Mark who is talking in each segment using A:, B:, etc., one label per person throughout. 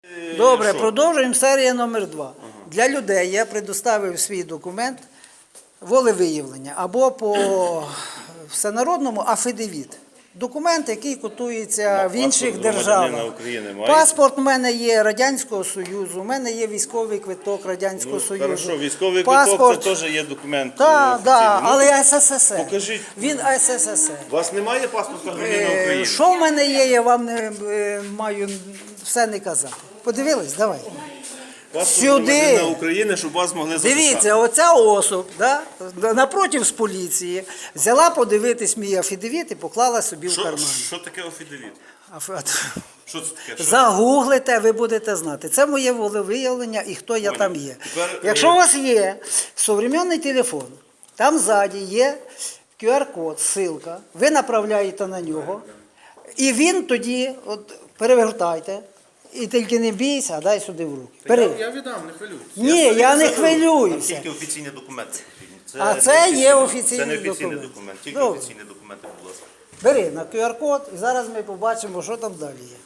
A: Добре, продовжуємо серія номер 2. Для людей я предоставив свій документ волевиявлення або по всенародному афідевіт. Документ, який котується в інших державах. Паспорт в мене є Радянського Союзу, в мене є військовий квиток Радянського Союзу.
B: Хорошо, військовий квиток це теж є документ.
A: Так, але СССР.
B: Покажіть.
A: Він СССР.
B: У вас немає паспорта громадянина України?
A: Що в мене є, я вам не маю все не казати. Подивились? Давай.
B: Паспорт громадянина України, щоб вас могли записати.
A: Дивіться, оця особа, напротив з поліції, взяла подивитись мій афідевіт і поклала собі в карман.
B: Що таке афідевіт? Що це таке?
A: Загуглите, ви будете знати. Це моє волевиявлення і хто я там є. Якщо у вас є сучасний телефон, там ззаді є QR-код, ссылка, ви направляєте на нього, і він тоді, перевертайте, і тільки не бійся, а дай сюди в руки.
C: Я віддам, не хвилюйтесь.
A: Ні, я не хвилююся.
B: Тільки офіційні документи.
A: А це є офіційний
B: документ. Це не офіційний
A: документ.
B: документ, тільки
A: Добре.
B: офіційні документи, будь ласка.
A: Бери на QR-код і зараз ми побачимо, що там далі є.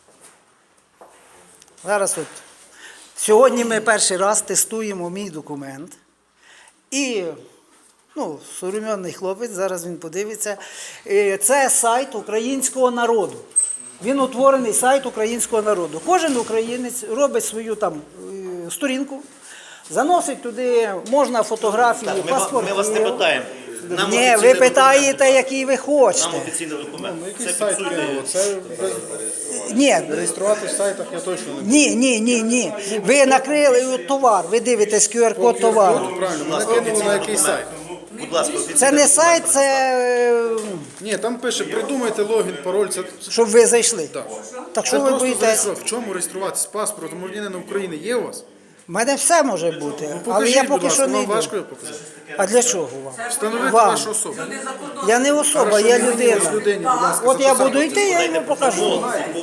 A: Зараз от. Сьогодні ми перший раз тестуємо мій документ. І, сучасний хлопець, зараз він подивиться. Це сайт українського народу. Він утворений сайт українського народу. Кожен українець робить свою там сторінку, заносить туди, можна фотографії, паспорти.
B: Ми вас не питаємо.
A: Ні, ви питаєте, який ви хочете.
B: Нам офіційний документ.
C: Який сайт Києва? Це
A: Ні,
C: реєструвати в сайтах я точно не буду.
A: ні. Ви накрили товар, ви дивитесь QR-код товару.
C: Правильно, мене кинули на який сайт.
B: Будь ласка,
A: Це не сайт, це
C: Ні, там пише, придумайте логін, пароль. Це
A: щоб ви зайшли. Так що
C: це
A: ви
C: просто
A: боїтесь?
C: зареєструвати. В чому реєструватись? Паспорт громадянина України є у вас?
A: У мене все може бути, але
C: Покажіть,
A: я
C: будь
A: поки
C: ласка,
A: що не
C: вам
A: йду.
C: важко його показати?
A: А для чого вам?
C: Встановити
A: Вам.
C: вашу особу.
A: Я не особа,
C: Хорошо,
A: я
C: мені
A: людина.
C: ось людині, будь ласка,
A: От я
C: записати.
A: буду йти, я йому покажу.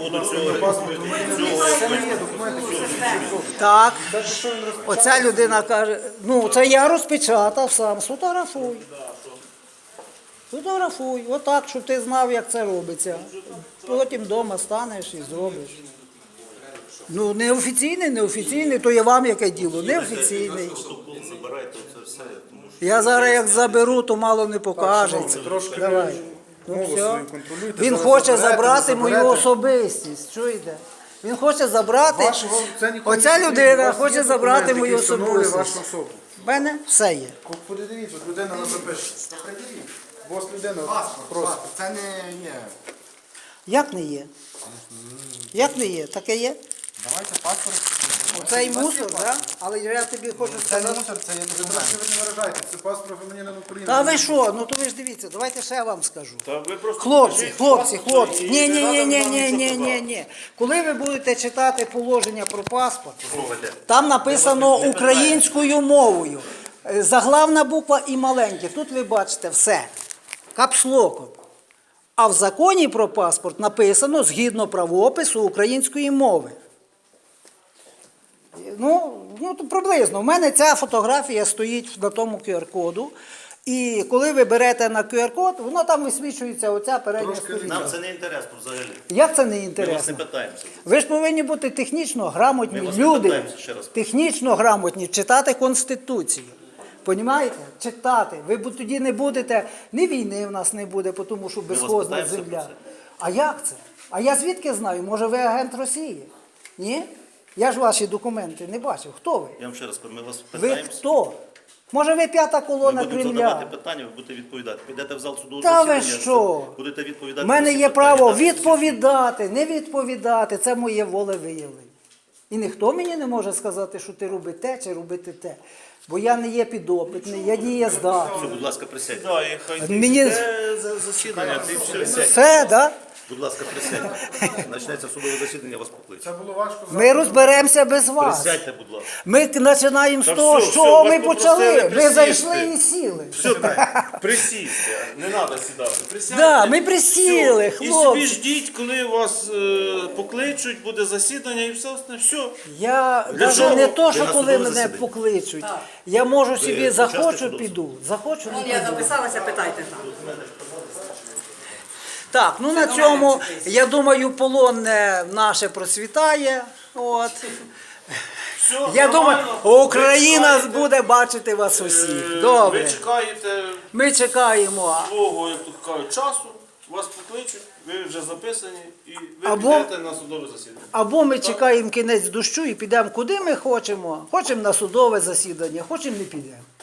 A: Так, оця людина каже, це я розпечатав сам, сфотографуй. Фотографуй, отак, щоб ти знав, як це робиться. Потім вдома станеш і зробиш. Неофіційний, то є вам яке діло, неофіційний. Я зараз як заберу, то мало не покажеться.
C: Трошки
A: Давай.
C: мову
A: Все.
C: свою контролюйте.
A: Він
C: Зараз
A: хоче
C: заберете,
A: забрати
C: не
A: мою
C: заберете.
A: особистість, чуєте? Він хоче забрати,
C: Це ніколи
A: оця
C: не
A: людина
C: потрібно. У вас
A: хоче
C: є
A: забрати
C: документ,
A: мою
C: який встановлює
A: особистість.
C: вашу особу.
A: В мене все є.
C: Подивіться, людина не запише. Ось людина просить.
D: Це не є.
A: Як не є? Як не є? Таке є?
D: Давайте паспорт.
A: Оцей мусор, так? Але я тобі хочу
D: Це не
A: сказати.
D: мусор, це є
C: Ви
D: документ.
C: трошки ви не виражаєте, це паспорт громадянина України.
A: Та ви що? То ви ж дивіться, давайте ще я вам скажу.
B: Та ви просто
A: Хлопці.
B: покажіть і не надо нам нічого казати.
A: Ні. Коли ви будете читати положення про паспорт,
B: Робите.
A: там написано українською мовою. Заглавна буква і маленьке. Тут ви бачите все. Капслоком. А в законі про паспорт написано згідно правопису української мови. То приблизно. У мене ця фотографія стоїть на тому QR-коду. І коли ви берете на QR-код, воно там висвічується оця передня сторінка.
B: Нам це не інтересно взагалі.
A: Як це не
B: Ми вас не
A: інтересно?
B: питаємося.
A: Ви ж повинні бути технічно грамотні
B: Ми вас не
A: люди,
B: питаємося, ще раз.
A: технічно грамотні, читати Конституцію. Понімаєте? Читати. Ви тоді не будете, ні війни в нас не буде, тому що безхозна
B: питаємося про
A: земля.
B: це.
A: А як це? А я звідки знаю? Може ви агент Росії? Ні? Я ж ваші документи не бачив. Хто ви?
B: Я вам ще раз кажу, ми вас
A: Ви
B: питаємося.
A: хто? Може ви п'ята
B: Ми
A: колона
B: будемо
A: Кремля?
B: задавати питання, ви будете відповідати. Підете в зал судового
A: Та ви
B: засідання,
A: що?
B: будете відповідати.
A: У мене
B: на всі
A: є
B: питання,
A: право
B: дати всі
A: відповідати, не відповідати. Це моє волевиявлення. І ніхто мені не може сказати, що ти роби те чи робити те. Бо я не є підопитний, я дієздатний.
B: Все, будь ласка, присядьте. Да, і хай
A: Мені-
B: засідання, ти все.
A: Все, так?
B: Будь ласка, присядьте. Почнеться судове засідання, вас покличуть.
C: Це було важко.
A: Ми розберемося без вас.
B: Присядьте, будь ласка.
A: Ми починаємо з
B: Та
A: того,
B: все,
A: що
B: все,
A: ми
B: вас
A: почали.
B: попросили
A: Ви
B: присісти.
A: зайшли і сіли.
B: Все так, присісти, не треба сідати. Присядьте.
A: Да, ми присіли,
B: Все. І
A: хлопці.
B: собі ждіть, коли вас покличуть, буде засідання і все остальне. Все.
A: Я
B: Для
A: навіть
B: чого?
A: не то,
B: Ви
A: що
B: на
A: коли
B: судове
A: мене
B: засідання.
A: покличуть. Я можу собі
B: учасник
A: захочу,
B: судового?
A: піду. Захочу, не
E: Я
A: піду.
E: записалася, питайте там.
A: Так, на цьому, я думаю, полонне наше процвітає. От.
B: Все,
A: Я думаю,
B: нормально.
A: Україна
B: Ви чекаєте,
A: буде бачити вас усіх.
B: Ви
A: Добре.
B: чекаєте
A: Ми чекаємо.
B: свого, як тут кажуть, часу, вас покличуть, ви вже записані і ви
A: Або-
B: підете на судове засідання.
A: Або ми чекаємо кінець дощу і підемо куди ми хочемо. Хочемо на судове засідання, хочемо не підемо.